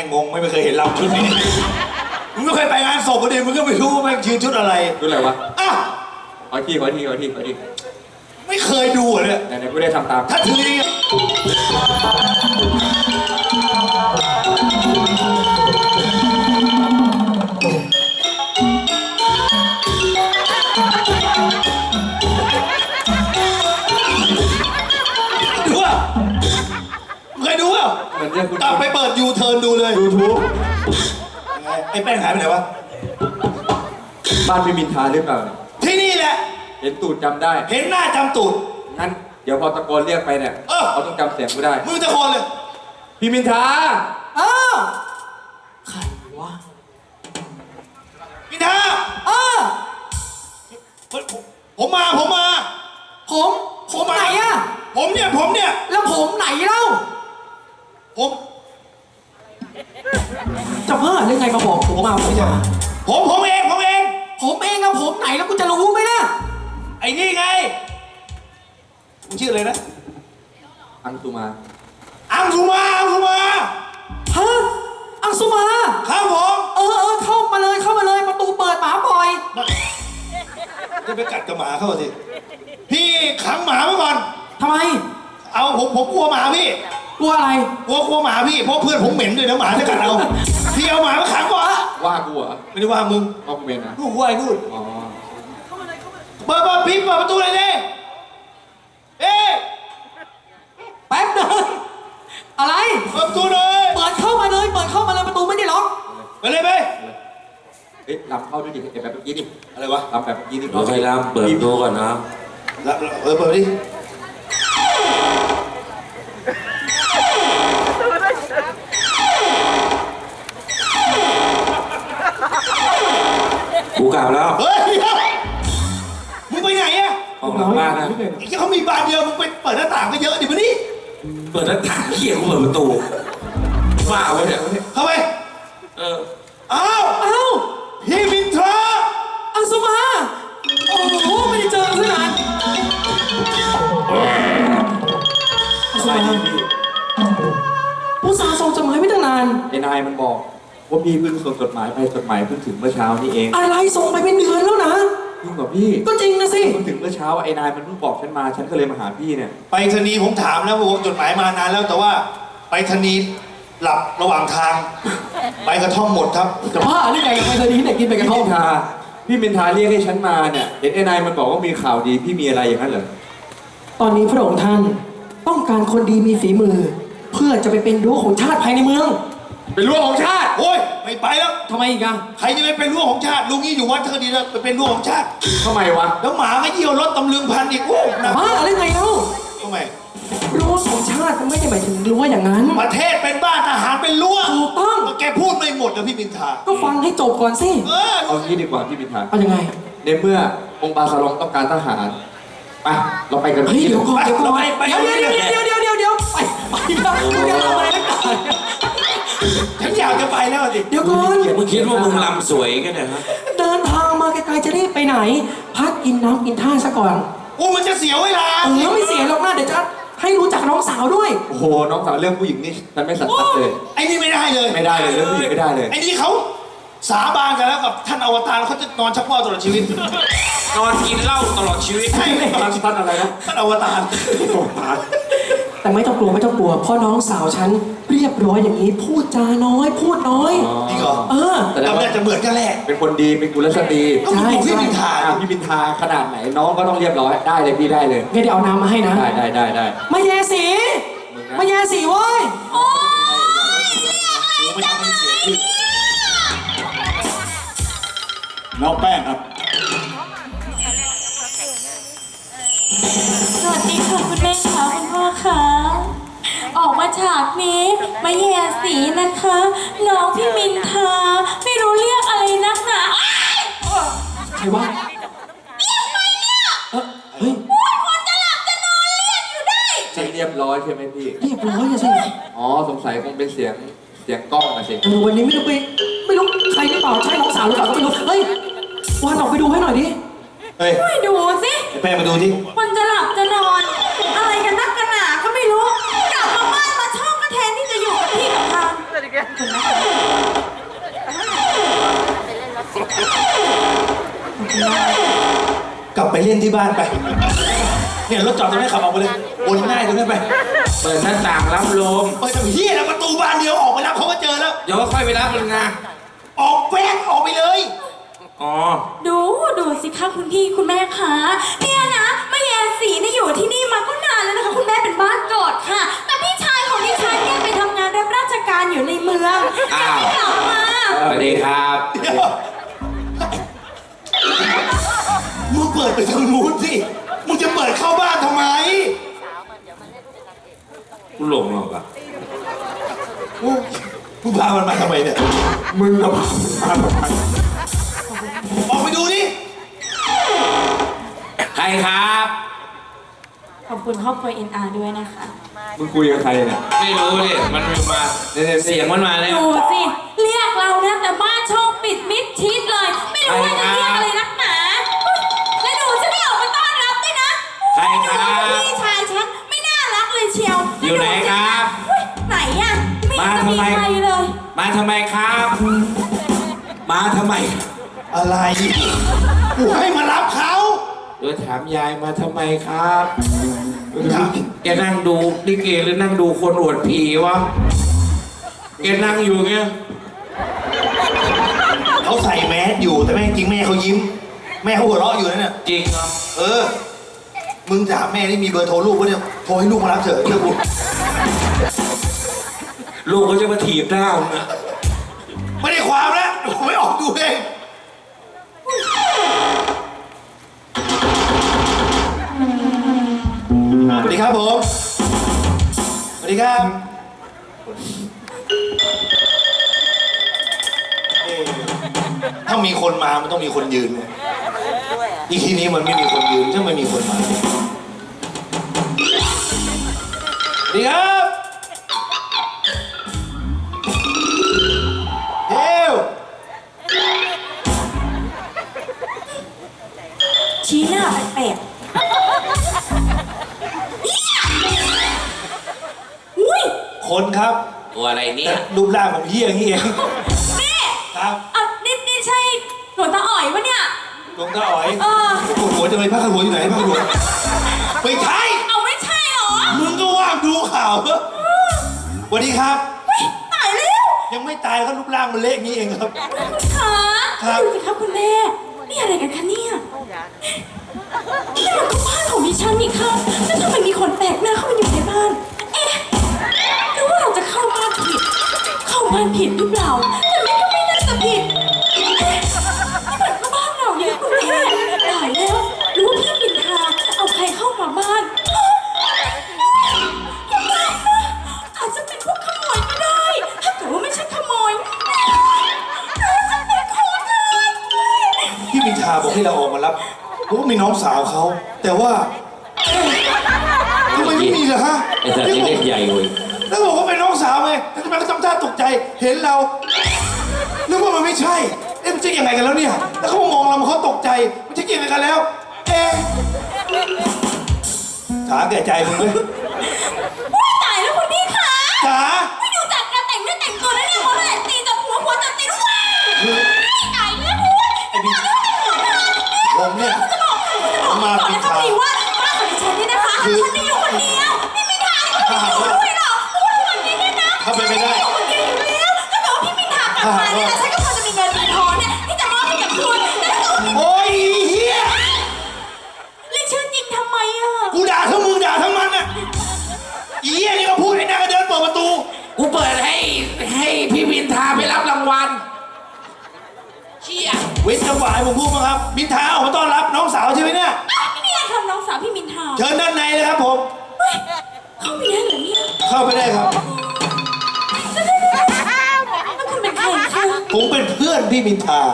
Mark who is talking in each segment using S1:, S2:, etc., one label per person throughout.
S1: งงไม่เคยเห็นเราชุดนี้มึงไม่เคยไปงานศพประเดี๋ยวมึงก็ไม่รู้ว่าแม่งชื่อชุดอะไร
S2: ชุดอะไรวะ
S1: อ่ะ
S2: ขอที
S1: ไม่เคยดูเลย
S2: ไหนๆกูได้ทำตาม
S1: ถ้าถือนี่ดูอ่ะเคยดูอ่ะกลับไปเปิดยูเทิร์นดูเลย
S2: YouTube
S1: ไอ้แป้งหายไปไหนวะ
S2: บ้านพี่มินทาหรือเปล่า
S1: ที่นี่แหละ
S2: เห็นตูดจำได้
S1: เห็นหน้าจำตูด
S2: งั้นเดี๋ยวพอตะโกนเรียกไปเนี่ยเขาต้องจำเสียงกูได้
S1: มึงตะโกนเลย
S2: พี่มินทา
S3: ใครวะ
S1: มินทาผมมา
S3: ผมไหนอะ
S1: ผมเนี่ย
S3: แล้วผมไหนเล่า
S1: ผม
S3: จะเพิ่มยังไงมาบอกผมมา
S1: ผมเอง
S3: แล้วผมไหนแล้วกูจะรู้ไหมล่ะ
S1: ไอ้นี่ไงมึงชื่ออะไรนะ
S2: อังสุมา
S1: ฮะ
S3: อังสุมา
S1: ครับผม
S3: เข้ามาเลยประตูเปิดหมาปล่อย
S1: จะไปกัดกับหมาเข้าสิพี่ขังหมาไว้ก่อน
S3: ทำไม
S1: เอาผมกลัวหมาพี่
S3: กลัวอะไร
S1: กลัวหมาพี่เพราะเพื่อนผมเหม็นด้วยนะหมาจะกัดเราพี่เอาหมามาขังก่อน
S2: ว่ากูเหรอ
S1: ไม่ได้ว่ามึง
S2: ว่ากูเหม็นนะ
S1: กูว่าไอ้นู่น
S2: อ๋อ
S1: เปิดพี่เปิดประตูเลยดิ
S3: แป๊บนึงอะไร
S1: เปิดประตูเลย
S3: เปิดเข้ามาเลยประตูไม่ได้ล็อก
S1: ไปเลยไป
S2: ลำเข้าด้วยดิแบบเมื่อกี้ดิ
S1: อะไรวะ
S2: ลำแบบเมื่อกี้ดิ
S4: เราไปลำเปิดดูก่อนนะ
S1: เปิดดิ
S4: กูกลับแล้ว
S1: เฮ้ยมึงไปไหนอะ
S4: ออกหลังบ้านนะ
S1: เขามีบานเดียวมึงไปเปิดหน้าต่างก็เยอะดิมาดิ
S4: เปิดหน้าต่างเขี่ยกูเปิดประตูฝ้าไว้เนี่ย
S1: เข้าไปอ้าวพี่มินทรา
S3: อังสุมาโอ้โหไม่ได้เจอกันนาน
S2: สบายดีพี่
S3: ผู้สาวส่งจดหมายไม่ตั้งนาน
S2: ไอ้นายมันบอกว่าพี่เพิ่งส่งจดหมายไปจดหมายเพิ่งถึงเมื่อเช้านี้เอง
S3: อะไรส่งไปเป็นเดือนแล้วนะ
S2: จริงเหรอพี่
S3: ก็จริงนะสิ
S2: เพิ่งถึงเมื่อเช้าไอ้นายมันเพิ่งบอกฉันมาฉันก็เลยมาหาพี่เนี่ย
S1: ไปรษณีย์ผมถามแล้วว่าจดหมายมานานแล้วแต่ว่าไปรษณีย์หลับระหว่างทางไปกระท่อมหมดครับ
S3: จะบ้าหรือไงกับไปรษณีย์ไหนกินไปกระท่อม
S2: พี่มินทาเรียกให้ฉันมาเนี่ยเห็นไอ้นายมันบอกว่ามีข่าวดีพี่มีอะไรอย่างนั้นเหรอ
S3: ตอนนี้พระองค์ท่านต้องการคนดีมีฝีมือเพื่อจะไปเป็นรั้วของชาติภายในเมือง
S2: เป็นรั้วของชาติ
S1: โอ้ยไม่ไปแล้ว
S3: ทำไมอีกอะ
S1: ใครจะไปเป็นรั้วของชาติลุงนี่อยู่วัดเธอดีแล้วไปเป็นรั้วของชาติ
S2: ทำไมวะ
S1: แล้วหมาก็เยี่ยวรถตำลึงพันอีกโอ้นะ
S3: บ้าหรือไงเล่า
S1: ทำไม
S3: รั้วของชาติมันไม่ได้หมายถึงรั้วอย่างนั้น
S1: ประเทศเป็นบ้านทหารเป็นรั้ว
S3: ถูกต้อง
S1: แกพูดไม่หมดนะพี่มินทา
S3: ก็ฟังให้จบก่อนสิ
S2: เอางี้ดีกว่าพี่มินทา
S3: เอายังไง
S2: ในเมื่อองค์บาสลองต้องการทหารไปเราไปกัน
S3: เฮ้ยเดี๋ยวก่อนเดี๋ยวไป
S1: ไป
S3: เดี๋ยวไปจะทำอะไรนักหนา
S1: ฉันอยากจะไปแล้วดิ
S3: เดี๋ยวก่อน
S4: มึงคิดว่ามึงลำสวยกันเนี่ยฮะ
S3: เดินทางมาไกลๆจะรีบไปไหนพักกินน้ำกินท่าซะก่อน
S1: มันจะเสียเวลา
S3: ไม่เสียหรอกนะเดี๋ยวจะให้รู้จักน้องสาวด้วย
S2: โอ้โหน้องสาวเรื่องผู้หญิงนี่ฉันไม่สันทัดเลย
S1: ไอ้นี่ไม่ได้เลย
S2: เรื่องผู้หญิงไม่ได้เลย
S1: ไอ้นี่เขาสาบานกันแล้วกับท่านอวตารเขาจะนอนชักว่าวตลอดชีวิต
S4: นอนกินเหล้าตลอดชีวิต
S1: ใช่
S2: ท่านอะไรนะ
S1: ท่านอวตาร
S3: แต่ไม่ต้องกลัวเพราะน้องสาวฉันเรียบร้อยอย่างนี้พูดจาน้อยพูดน้อย
S1: จริงเหรอ
S3: แต่
S1: เราเนี่ยจะเหมือนกันแหละ
S2: เป็นคนดีเป็นกุลสตรี
S1: ใช่พี่มินทา
S2: พี่มินทาขนาดไหนน้องก็ต้องเรียบร้อยได้เลยพี่ได้เลย
S3: งั้นเดี๋ยวเอาน้ำมาให้นะ
S2: ได้
S3: มาแย่สีเว้ยโอ๊ย
S1: น้องแป้งครับ
S5: สวัสดีค่ะคุณแม่ค่ะคุณพ่อค่ะออกมาฉากนี้มาแย่สีนะคะน้องพี่มินทาไม่รู้เรียกอะไรนักหนา
S3: ใครวะ
S5: เรียกไปเนี่ย
S3: เฮ้ย
S5: คนจะหลับจะนอนเรียกอยู่ได้
S2: เรียบร้อยใช่ไหมพี่
S3: เรียบร้อยใช่ไหม
S2: อ๋อสงสัยคงเป็นเสียงกล้องนะสิ
S3: วันนี้ไม่รู้ใครหรือเปล่าใช่น้องสาวหรือเปล่าก็ไม่รู้เฮ้ยวันออกไปดูให้หน่อยดิ
S5: ไม่ดูสิ
S1: แป้งมาดูดิ
S5: คนจะหลับจะนอนอะไรกันนักกันหนาก็ไม่รู้กลับมาบ้านมาช่องก็แทนที่จะอยู่กับพี่กับทาง
S1: เล่นที่บ้านไป เนี่ยรถจอดตรงนี้ขับออกไปเลยวนง่ายตรงนี้ไป
S4: เปิดหน้าต่างรับลม
S1: เปิดทำเฮียแล้วประตูบ้านเดียวออกไปรับเขาก็เจอแล้ว
S4: เดี๋ยวก็ค่อยไปรับมันไง
S1: ออกแป้งออกไปเลย
S4: อ๋อ
S5: ดูสิคะคุณพี่คุณแม่คะเนี่ยนะแม่แยสีเนี่ยอยู่ที่นี่มาก็นานแล้วนะคะคุณแม่เป็นบ้านเกิดค่ะ แต่พี่ชายของดิฉันเนี่ยไปทำงานรับราชการอยู่ในเมืองยังไม่กลับมา
S4: สวัสดีครับ
S1: เดี๋ยวมึงเปิดไปทางนู้นสิมึงจะเปิดเข้าบ้านทำไม
S4: กูหลงหรอกอะ
S1: โอ้ยมึงพามันมาทำไมเนี่ย
S2: มึงกับมาทำไม
S1: ออกไปดูดิ
S4: ใครครับ
S5: ขอบคุณครอบครัว NR ด้วยนะคะ
S2: มึงคุยกับใครเนี่ย
S4: ไม่รู้ดิมันมา
S2: เนี่ย
S4: เสียงมันมาเนี่ย
S5: ดูสิเรียกเรานะแต่บ้านช่องปิดมิดชิดเลย ไม่รู้ว่าจะเรียกอะไรนักหนาและดูฉันไม่ออกมาต้อนรับด้วยนะ
S4: ใครครับ
S5: พี่ชายฉันไม่น่ารักเลยเชียว
S4: อยู่ไหนครับ
S5: อุ๊ยไหนอะไม่เห็นจะมีใครเลย
S4: มาทำไมครับ มาทำไม
S1: อะไรกูให้มารับเขา
S4: เดี๋ยวถามยายมาทำไมครับแกนั่งดูลิเกหรือนั่งดูคนอวดผีวะแกนั่งอยู่เงี้ย
S1: เขาใส่แมสอยู่แต่แม่จริงแม่เขายิ้ม แม่เขาหัวเราะอยู่นั่นน่ะ
S4: จริงเหรอ
S1: เออ มึงถามแม่ที่มีเบอร์โทรลูกปะเนี่ยโทรให้ลูกมารับเถอะเชื่อกู
S4: ลูกเขาจะมาถีบหน้ามึงอะ
S1: ไม่ได้ความแล้วผมไม่ออกดูเองสวัสดีครับผมสวัสดีครับถ้ามีคนมามันต้องมีคนยืนไงอีทีนี้มันไม่มีคนยืนถ้าไม่มีคนมาสวัสดีครับเฮ้ว
S5: ชี้หน้าแปลกๆอุ้ย
S1: คนครับ
S4: ตัวอะไรเนี่
S1: แต่
S4: ย
S1: รูปร่างผมเหี้ยอย่างนี้เอง
S5: นี่
S1: ครับ
S5: อ่ะนี่ใช่หลวงตาอ๋อยวะเนี่ย
S1: หลวงตาอ๋อย
S5: เออ
S1: ปวดหัวจังเลยผ้าขนหัวอยู่ไหนผ้าขนหัวไม่ใช่
S5: เอาไม่ใช่เหรอ
S1: มึงก็ว่างดูข่าวเถอะสวัสดีครับ
S5: เฮ้ยตายแล้ว
S1: ยังไม่ตายเขารูปร่างมันเละอย่างนี้เองครับ
S5: คุณขา
S1: ครับ
S5: ดูสิครับคุณแม่นี่อะไรกันคะเนี่ยนี่มันก็บ้านของดิฉันนี่ครับแล้วทำไมมีคนแปลกหน้าเข้ามาอยู่ในบ้าน เอ๊ะหรือว่าเราจะเข้าบ้านผิด เข้าบ้านผิดหรือเปล่า แต่แม่ก็ไม่น่าจะผิด เอ๊ะนี่มันก็บ้านเราเนี่ยคุณแม่ตายแล้วหรือว่าพี่มินทาเอาใครเข้ามาบ้านอย่าตายนะอาจจะเป็นพวกขโมยก็ได้ ถ้าเกิดว่าไม่ใช่ขโมยจะเป็นคนอื่น
S1: พี่มินทาบอกให้เราออกมารับเพราะว่ามีน้องสาวเขาแต่ว่าทำไมไม่มีล่ะฮะ
S4: ไอ้สัตว์นี่เล่นใหญ่เว้ย
S1: แล้วบอกว่าเป็นน้องสาวไงแต่ทำไมเขาทำท่าตกใจเห็นเรานึกว่ามันไม่ใช่เอ๊ะมันจะยังไงกันแล้วเนี่ยแล้วเขามองเราเขาตกใจมันจะยังไงกันแล้วเอ๊ะถาแก่ใจมึงเลย
S5: ว้ายตายแล้วคุณพี่คะ
S1: จ๋า
S5: ไม่ดูจากการแต่งเนื้อแต่งตัวแล้วเนี่ยเขาเลยตีจากหัวจับตีด้วยว้ายตายแล้วคุณ
S1: ไอ้บิ๊กผมเนี่ยผมมา
S5: บอก
S1: ปิด
S5: นะคะ
S1: ทาง
S5: พี่ว่าบ้านของดิฉันเนี่ยนะคะฉันจะอยู่คนเดียวพี่มินทาไม่ต้องอยู่ด้วยหรอกเพราะว่าวันนี้เนี่ยนะ
S1: ถ้าเป็นไปได้
S5: อยู่คนเดียวอยู่แล้วถ้าเกิดว่าพี่มินทากลับมาเนี่ยนะฉันก็พอจะมีเงินมีทองเนี่ยที่จะมอบให้กับคุณแล้วถ้าเกิดว่า
S1: โอ้ยเฮีย
S5: เรียกชื่อจริงทำไมอ่ะ
S1: กูด่าทั้งมึงด่าทั้งมันอ่ะอีเฮียนี่ก็พูดไอ้นางก็เดินเปิดประตู
S4: กูเปิดให้พี่วินทาไปรับรางวัลเชี่ย
S1: เว้นจังหวะให้ผมพูดมั้งครับมินทาออกมาต้อนรับน้องสาวใช่ไหมเนี่ย
S5: อ้าวนี่ไงคำน้องสาวพี่มินทา
S1: เชิญด้านในเลยครับผม
S5: เฮ้ยเข้าไปได้เหรอเนี่ย
S1: เข้าไปได้ครับ
S5: แล้วคุณเป็นใครคะ
S1: ผมเป็นเพื่อนพี่มินทา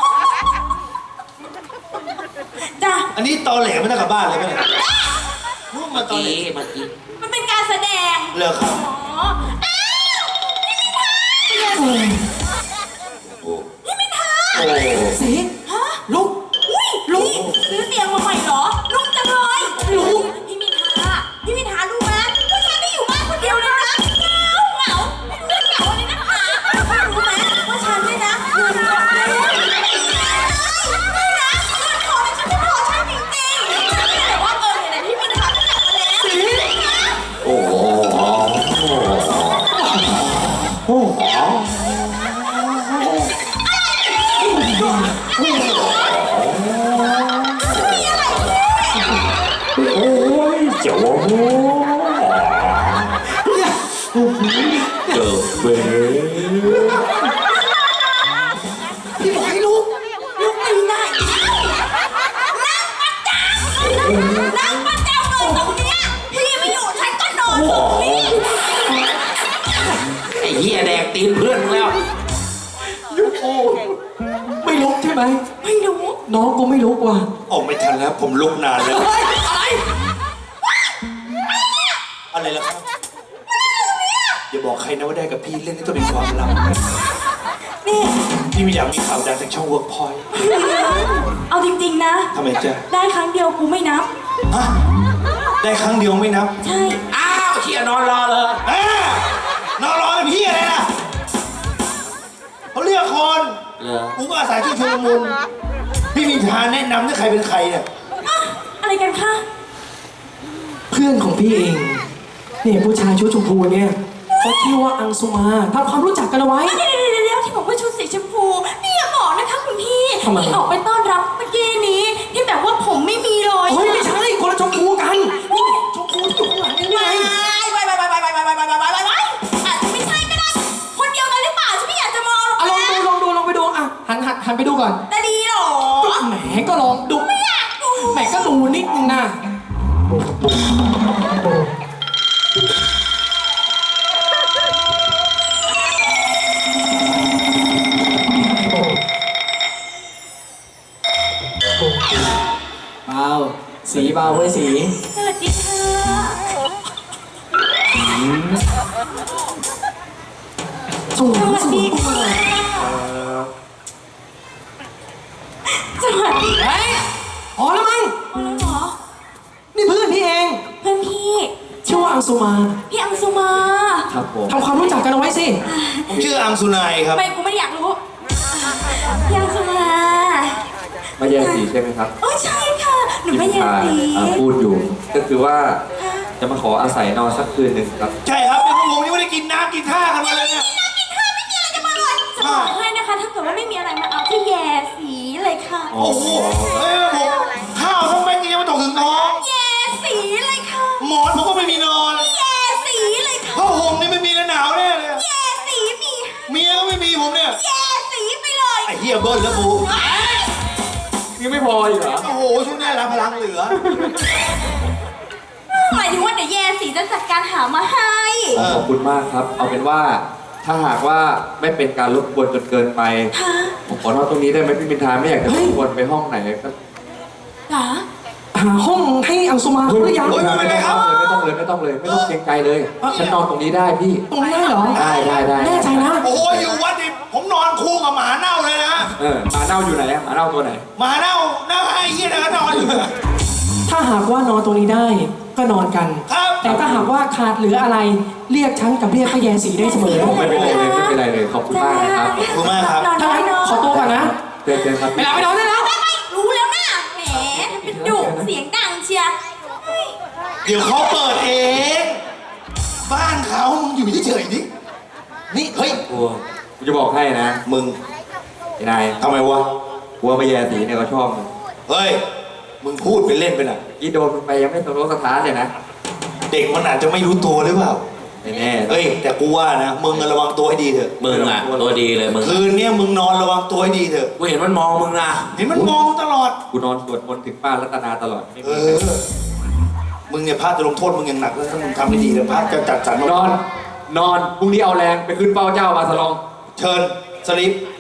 S5: จ้ะ
S1: อันนี้ตอแหลไม่ได้กลับบ้านเลยไหมเนี่ยรู้มาตอแหล
S4: เมื่อกี้
S5: มันเป็นการแสดง
S1: เลิกครับ
S5: อ๋อ อ้าวพี่มินทา
S1: โอ้
S3: สี
S5: ฮะลุกอุ้ยลุกซื้อเตียงมาใหม่เหรอ ลุกจังเลยลุกพี่มินทารู้ไหมว่าฉันได้อยู่บ้านคนเดียวเลยนะเหงาไม่รู้เรื่องเหงาเลยนะคะรู้ไหมว่าฉันเนี่ยนะเงินหมดแล้วไม่นะเงินพอแต่ฉันไม่พอใช้จริงๆ
S4: โอ้ยเจ้าโอ้เจอเบ้
S3: พี่บอกให้ลุก
S5: ลูกตีได้นั่งประจำเลยตรงเนี้ยพี่ไม่อยู่ฉันก็นอนตรงนี้
S4: ไอ้เหี้ยแดกตีนเพื่อนมึงแล้ว
S3: ไม่ลุกใช่ไหม
S5: ไม่รู้
S3: น้องกูไม่ลุกว่ะ
S1: โอ้ไม่ทันแล้ว ผมลุกนานแล้ว
S3: เฮ้ยอะไร
S1: อะไรล่ะครับอย่าบอกใครนะว่าได้กับพี่เล่นนี่ต้องเป็นความลับ
S5: นี่
S1: พี่ไม่อยากมีข่าวดังจากช่องเวิร์กพอยต์
S5: เอาจริงๆนะ
S1: ทำไมจ๊ะ
S5: ได้ครั้งเดียวกูไม่นับ
S1: ฮะได้ครั้งเดียวไม่นับ
S5: ใช่
S4: อ้าวเชี่ยนอนรอเลย
S1: นอนรอเป็นพี่อะไรล่ะเขาเรียกคน
S4: เหรอ
S1: กูก็อาศัยช่วยชุลมุนพี่มีทางแนะนำถ้าใครเป็นใครเนี่ย
S5: อะอะไรกันคะ
S3: เพื่อนของพี่เองเนี่ยผู้ชายชุดชมพูเนี่ยเขาชื่อว่าอังสุมาทำความรู้จักกันเอาไว้
S5: เดี๋ยวที่บอกว่าชุดสีชมพูนี่อย่าบอกนะคะคุณพี่
S3: ทำไม
S5: ที่ออกไปต้อนรับเมื่อกี้นี้ที่แบบว่าผมไม่มีเลย
S3: เฮ้ยไม่ใช่คนละชมพูกันนี่ชมพูที่อยู่ข้างหลังนี่ไง
S5: ไปอาจจะไม่ใช่ก็ได้คนเดียวกันหรือเปล่าฉันไม่อยากจะมอง
S3: อ่ะลองไปดูอ่ะหันไปดูก่อน
S5: แต่ดีเหรอ
S3: แหมก็ลองดู
S5: ไม่อยากดู
S3: แหมก็ดูนิดนึงนะเบาสีเบาเว้ยสี
S5: สวัสดีค่ะ
S3: สวย
S5: สวัส
S3: สว
S5: ดี
S3: ย
S5: ค่ะสวัสดี
S3: เฮ้ยพอแล้วมั้ง
S5: อ๋อแล้วเหรอ
S3: นี่เพื่อนพี่เอง
S5: เพื่อนพี่
S3: ชื่อว่าอังสุมา
S5: พี่อังสุมา
S2: ครับผม
S3: ทำความรู้จักกันเอาไว้สิ
S1: ผมชื่ออังสุนัยครับ
S5: ไม่กูไม่ได้อยากรู้พี่อังสุมา
S2: มาแย่สีใช่ไหมครับ
S5: โอ้ใช่ค่ะหนู
S2: ที่
S5: ไม่
S2: พี่
S5: อยาก
S2: ชาย
S5: สี
S2: พูดอยู่ ก็คือว่าจะมาขออาศัยนอนสักคืนหนึ่งครับ
S1: ใช่ครับเป็นพวกผมยังไม่ได้กินน้ำกินท่ากันมาเลยเนี่ย
S5: กินข้าวไม่มีอะไรจะมาเลยจะบอกให้นะคะ ถ้าเกิดว่าไม่มีอะไรมาเอาที่แย่สีเลยค่ะ
S1: โอ้โหเฮ้ยผมข้าวทั้งแม็กยังไม่ตกถึงท้อง
S5: แย่สีเลยค่ะ
S1: หมอนผมก็ไม่มีนอน
S5: แย่สีเลยค่ะ
S1: ผ้าห่มนี่ไม่มีแล้วหนาวแน่เลย
S5: แย่สีมี
S1: เมียก็ไม่มีผมเนี่ย
S5: แย่สีไปเลย
S1: ไอ้เหี้ยเบิ้ลแล้วกู
S2: ยังไม่พออีกเหรอ
S1: โอ้โหช่วงนี้รับพลังเหลือ
S5: หมายถึงว่าเดี๋ยวแย่สีจะจัดการหามาให้
S2: ขอบคุณมากครับ เอาเป็นว่าถ้าหากว่าไม่เป็นการรบกวนจนเกินไป
S5: ค่ะ
S2: ผมขอนอนตรงนี้ได้ไหมพี่มินทาไม่อยากจะรบกวนไปห้องไหนก็
S5: หรอ
S3: หาห้องให้อังสุมาเขาหรือยัง
S1: เฮ้ย
S2: ไม่ต้องเลยไม่ต้องเกรงใจเลยฉันนอนตรงนี้ได้พี่
S3: ตรงนี้ได้เหรอ
S2: ได้
S3: แน่ใจนะ
S1: โอ้โหอยู่วัดนี่ผมนอนคู่กับหมาเน่าเลยนะ
S2: หมาเน่าอยู่ไหนอะหมาเน่าตัวไหน
S1: หมาเน่าหน้าไอ้เหี้ยนะก็นอนอยู่
S3: ถ้าหากว่านอนตรงนี้ได้ก็นอนกัน
S1: ครับ
S3: แต่ถ้าหากว่าขาดเหลืออะไรเรียกฉันกับเรียกพระแยสีได้เสมอ
S2: ไม่เป็นไรเลยขอบคุณมากนะครับ
S1: ขอบคุณมากครับ
S5: นอน
S3: ถ้า
S5: ได้
S3: งั้น
S5: เนาะ
S3: ขอตัวก่อนนะ
S2: เจอครับ
S3: ไปแล้วไปนอนได้แล้ว
S5: ไม่รู้แล้วนะแหมทำเป็นดุเสียงดังเชียร์
S1: เดี๋ยวเขาเปิดเอง บ้านเขามึงอยู่เฉยๆนี่นี่เฮ้ย
S2: กูจะบอกให้นะ
S1: มึง
S2: ไอ้นาย
S1: ทำไมวะ
S2: กลัวมาแย่สีเนี่ยเขาชอบมึง
S1: เฮ้ย มึงพูดไปเล่นไปน่ะ
S2: ยี่โดนมึงไปยังไม่สมรสสถานเลยนะ
S1: เด็กมันอาจจะไม่รู้ตัวหรือเปล่า
S2: ไม่แน่
S1: เฮ้ย แต่กูว่านะ มึงระวังตัวให้ดีเถอะ
S4: มึงอ่ะตัวดีเลยมึง
S1: คืนเนี้ยมึงนอนระวังตัวให้ดีเถอะ
S4: กูเห็นมันมองมึงนะ
S1: เห็นมันมองมึงตลอด
S2: กูนอนสวดมนต์ถึงป้ารัตนาตลอดไม่
S1: เอ
S2: มี
S1: อ มึงเนี่ยพระจะลงโทษมึงอย่างหนักแล้วถ้ามึงทำไม่ดีแล้วพระจะจัดสรร
S2: นอนพรุ่งนี้เอาแรงไปขึ้นเป้าเจ้ามาสลอง
S1: เชิญสลิป